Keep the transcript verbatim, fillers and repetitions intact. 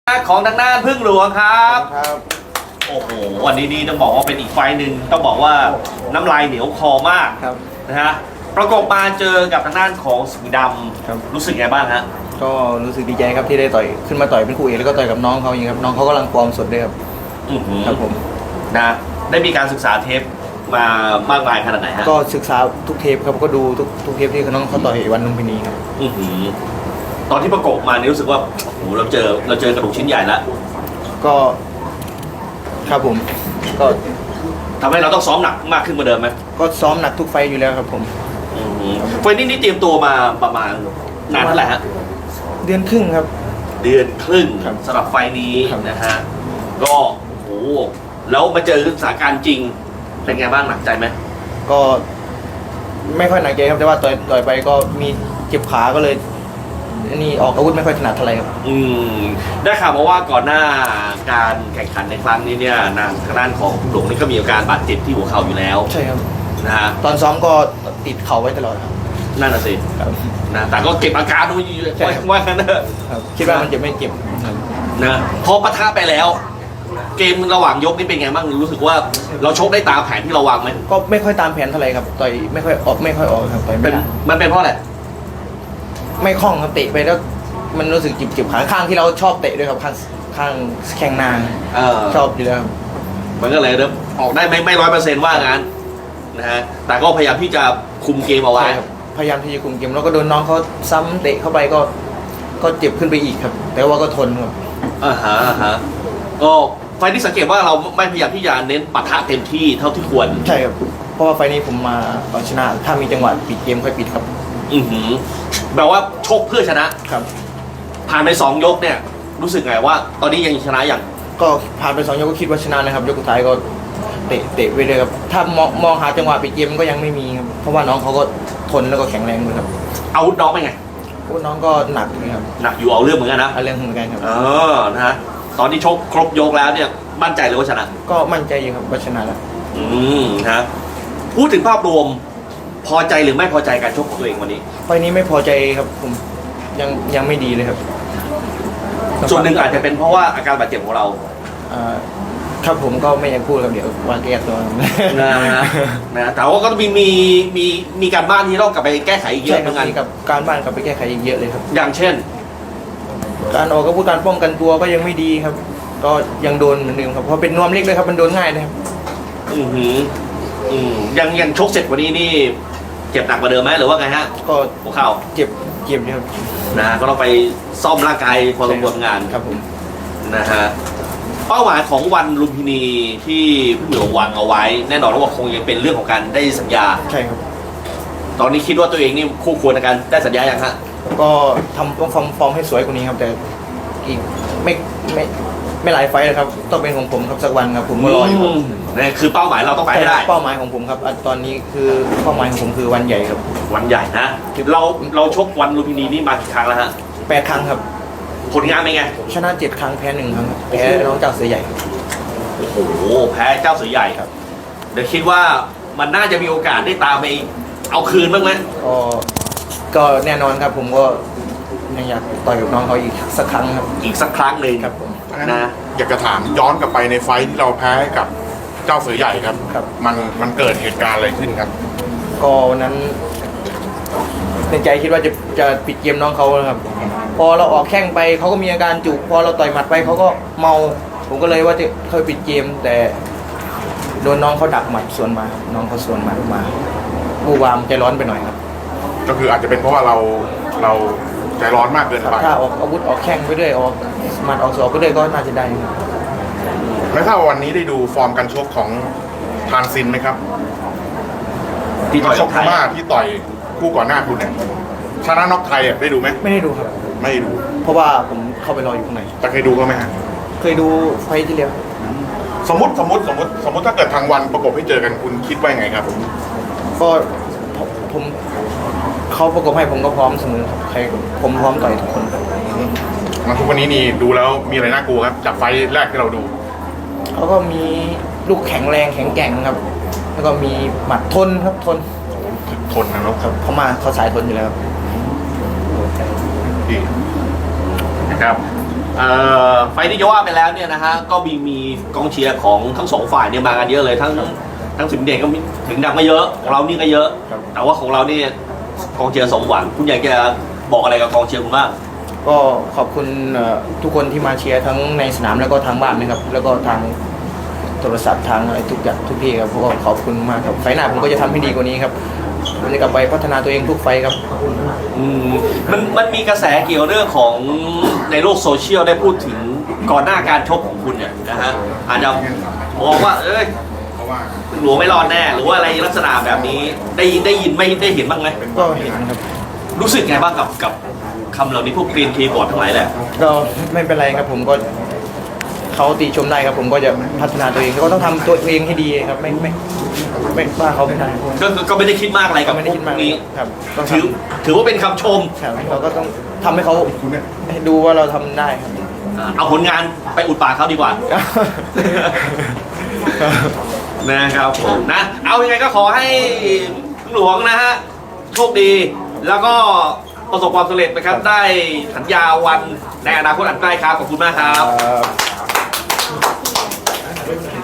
ของทางด้านพึ่งหลวงครับครับโอ้โหวันนี้นี่ต้องบอกว่าเป็นอีกไฟหนึ่งต้องบอกว่าน้ำลายเหนียวคอมากครับนะฮะประกบมาเจอกับทางด้านของสิงห์ดำรู้สึกไงบ้างฮะก็รู้สึกดีใจครับที่ได้ต่อยขึ้นมาต่อยเป็นคู่เอกแล้วก็ต่อยกับน้องเขาอย่างครับน้องเขากำลังฟอร์มสดด้วยครับครับผมนะได้มีการศึกษาเทปมามากมายขนาดไหนฮะก็ศึกษาทุกเทปครับก็ดูทุกทุกเทปที่น้องเขาต่อยวันลุมพินีครับตอนที่ประกบมานี่รู้สึกว่าโอ้โหเราเจอเราเจอกระดูกชิ้นใหญ่แล้วก็ครับผมก็ทำให้เราต้องซ้อมหนักมากขึ้นกว่าเดิมไหมก็ซ้อมหนักทุกไฟอยู่แล้วครับผมไฟนี้นี่เตรียมตัวมาประมาณนานเท่าไหร่ฮะเดือนครึ่งครับเดือนครึ่งสำหรับไฟนี้นะฮะก็โอ้โหแล้วมาเจอสถานการณ์จริงเป็นไงบ้างหนักใจไหมก็ไม่ค่อยหนักใจครับแต่ว่าต่อยต่อยไปก็มีเจ็บขาก็เลยนี่ออกอาวุธไม่ค่อยถนัดเท่าไหร่ครับอืมได้ข่าวมาว่าก่อนหน้าการแข่งขันในครั้งนี้เนี่ยนางทางด้านของหลวงนี่ก็มีอาการบาดเจ็บที่หัวเข่าอยู่แล้วใช่ครับนะฮะตอนซ้อมก็ติดเข่าไว้ตลอดครับนั่นน่ะสินะแต่ก็เก็บอาการดูว่ากันนะคิดว่ามันจะไม่เจ็บนะพอปะทะไปแล้วเกมระหว่างยกนี่เป็นไงบ้างรู้สึกว่าเราชกได้ตามแผนที่เราวางไหมก็ไม่ค่อยตามแผนเท่าไหร่ครับต่อยไม่ค่อยออกไม่ค่อยออกครับต่อยไม่ได้มันเป็นเพราะอะไรไม่คล่องครับเตะไปแล้วมันรู้สึกจิบๆขาข้างที่เราชอบเตะด้วยครับข้างข้างแข้งนางชอบอยู่แล้วมันก็เลยเริ่มออกได้ไม่ไม่ร้อยเปอร์เซ็นต์ว่างั้นนะฮะแต่ก็พยายามที่จะคุมเกมเอาไว้พยายามที่จะคุมเกมแล้วก็โดนน้องเขาซ้ำเตะเข้าไปก็ก็เจ็บขึ้นไปอีกครับแต่ว่าก็ทนครับอ่าฮะอ่าฮะก็ไฟที่สังเกตว่าเราไม่พยายามที่จะเน้นปะทะเต็มที่เท่าที่ควรใช่ครับเพราะว่าไฟนี้ผมมาเอาชนะถ้ามีจังหวะปิดเกมค่อยปิดครับอือหือแบบว่าชกเพื่อชนะครับผ่านไปสองยกเนี่ยรู้สึกไงว่าตอนนี้ยังชนะอย่างก็ผ่านไปสองยกก็คิดว่าชนะนะครับยกสุดท้ายก็เตะเตะไปเลยครับถ้ามองมองหาจังหวะปิดเกมก็ยังไม่มีครับเพราะว่าน้องเขาก็ทนแล้วก็แข็งแรงด้วยครับอาวุธน้องเป็นไงอาวุธน้องก็หนักนะครับหนักอยู่เอาเรื่องเหมือนกันนะเอาเรื่องเหมือนกันครับเออนะฮะตอนที่ชกครบยกแล้วเนี่ยมั่นใจเลยว่าชนะก็มั่นใจอยู่ครับว่าชนะแล้วอืมนะพูดถึงภาพรวมพอใจหรือไม่พอใจการชกของตัวเองวันนี้ไฟนี้ไม่พอใจครับผมยังยังไม่ดีเลยครับส่วนหนึ่งอาจจะเป็นเพราะว่าอาการบาดเจ็บของเราครับผมก็ไม่อยากพูดครับเดี๋ยววางแก้ตัวนะนะแต่ว่าก็มีมีมีมีการบ้านที่ต้องกลับไปแก้ไขอีกเยอะเหมือนกันกับการบ้านกลับไปแก้ไขอีกเยอะเลยครับอย่างเช่นการออกอาวุธการป้องกันตัวก็ยังไม่ดีครับก็ยังโดนเหมือนเดิมครับเพราะเป็นนวมเล็กเลยครับมันโดนง่ายเลยครับอือหืออืมยังยังชกเสร็จวันนี้นี่เจ็บหนักกว่าเดิมไหมหรือว่าไงฮะก็หัวเข่าเจ็บเจ็บครับนะก็ต้องไปซ่อมร่างกายพอสมควรงานครับผมนะฮะเป้าหมายของวันลุมพินีที่พี่เหมียววางเอาไว้แน่นอนว่าคงยังเป็นเรื่องของการได้สัญญาใช่ครับตอนนี้คิดว่าตัวเองนี่คู่ควรในการได้สัญญาอย่างฮะก็ทำต้องฟอร์มฟอร์มให้สวยกว่านี้ครับแต่อีกไม่ไม่ไม่หลายไฟล์นะครับต้องเป็นของผมครับสักวันครับผมก็รออยู่นี่คือเป้าหมายเราต้องไปให้ได้เป้าหมายของผมครับตอนนี้คือเป้าหมายของผมคือวันใหญ่ครับวันใหญ่นะเราเราชกวันลุมพินีนี่มากี่ครั้งแล้วฮะแปดครั้งครับผลงานเป็นไงชนะเจ็ดครั้งแพ้หนึ่งครั้งแพ้น้องเจ้าเสือใหญ่โอ้โหแพ้เจ้าเสือใหญ่ครับเดี๋ยวคิดว่ามันน่าจะมีโอกาสได้ตามไปเอาคืนบ้างไหมก็ก็แน่นอนครับผมก็ยังอยากต่อยกับน้องเขาอีกสักครั้งครับอีกสักครั้งหนึ่งครับผมนะอยากจะถามย้อนกลับไปในไฟที่เราแพ้กับเจ้าเสือใหญ่ครับครับมันมันเกิดเหตุการณ์อะไรขึ้นครับก็วันนั้นในใจคิดว่าจะจะปิดเกมน้องเขาครับพอเราออกแข้งไปเขาก็มีอาการจุกพอเราต่อยหมัดไปเขาก็เมาผมก็เลยว่าจะเคยปิดเกมแต่โดนน้องเขาดักหมัดสวนมาน้องเขาสวนหมัดมาผู้วามใจร้อนไปหน่อยครับก็คืออาจจะเป็นเพราะว่าเราเราใจร้อนมากเกินไปถ้าออกอาวุธออกแข้งไปเรื่อยออกหมัดออกศอกไปเรื่อยก็น่าจะได้ไม่ทราบวันนี้ได้ดูฟอร์มการชกของทานซินไหมครับที่ต่อยชกพม่าที่ต่อยคู่ก่อนหน้าคุณเนี่ยชนะน็อกไทยอ่ะได้ดูไหมไม่ได้ดูครับไม่ดูเพราะว่าผมเข้าไปรออยู่ข้างในแต่เคยดูก็ไหมฮะเคยดูไฟที่แล้วสมมติสมมติสมมติสมมติถ้าเกิดทางวันประกบให้เจอกันคุณคิดว่าไงครับก็ผมเขาประกบให้ผมก็พร้อมเสมอครับใครผมพร้อมต่อยทุกคนครับมาทุกวันนี้นี่ดูแล้วมีอะไรน่ากลัวครับจากไฟแรกที่เราดูเขาก็มีลูกแข็งแรงแข็งแกร่งครับแล้วก็มีหมัดทนครับทนทนนะครับเขามาเขาสายทนอยู่แล้วดีนะครับเอ่อไฟล์ที่จะว่าไปแล้วเนี่ยนะฮะก็มีมีกองเชียร์ของทั้งสองฝ่ายเนี่ยมากันเยอะเลยทั้งทั้งสิงห์เด่นก็มีถึงดังก็เยอะของเรานี่ก็เยอะครับแต่ว่าของเราเนี่ยกองเชียร์สมหวังคุณอยากจะบอกอะไรกับกองเชียร์คุณบ้างก็ขอบคุณเอ่อทุกคนที่มาเชียร์ทั้งในสนามแล้วก็ทางบ้านนะครับ แล้วก็ทางโทรศัพท์ทางอะไรทุกอย่างทุกที่ครับก็ขอบคุณมากครับไฟล์หน้าผมก็จะทำให้ดีกว่านี้ครับผมจะกลับไปพัฒนาตัวเองทุกไฟล์ครับอืมมันมันมีกระแสเกี่ยวเรื่องของในโลกโซเชียลได้พูดถึงก่อนหน้าการชกของคุณเนี่ยนะฮะอาจจะมองว่าเอ้ยหลวงไม่รอดแน่หรือว่าอะไรลักษณะแบบนี้ได้ยินได้ยินไม่ได้เห็นบ้างไหมก็เห็นครับรู้สึกไงบ้างกับกับคำเหล่านี้พวกกรีนคีย์บอร์ดทั้งหลายแหละก็ไม่เป็นไรครับผมก็เขาติชมได้ครับผมก็จะพัฒนาตัวเองแล้วก็ต้องทำตัวเองให้ดีครับไม่ไม่ไม่ว่าเขาไม่ได้ก็ก็ก็ไม่ได้คิดมากอะไรก็กับไม่ได้คิดมากพวนี้ครับต้องทถือถือว่าเป็นคำชมำครับเราก็ต้องทำให้เขาให้ดูว่าเราทำได้ครับอ่าเอาผลงานไปอุดปากเขาดีกว่า นะครับผมนะ เอายังไงก็ขอให้หลวงนะฮะโชคดี แล้วก็ประสบความสำเร็จนะครับ ได้สัญญาวันในอนาคตอันใกล้ครับ ขอบคุณมากครับครับ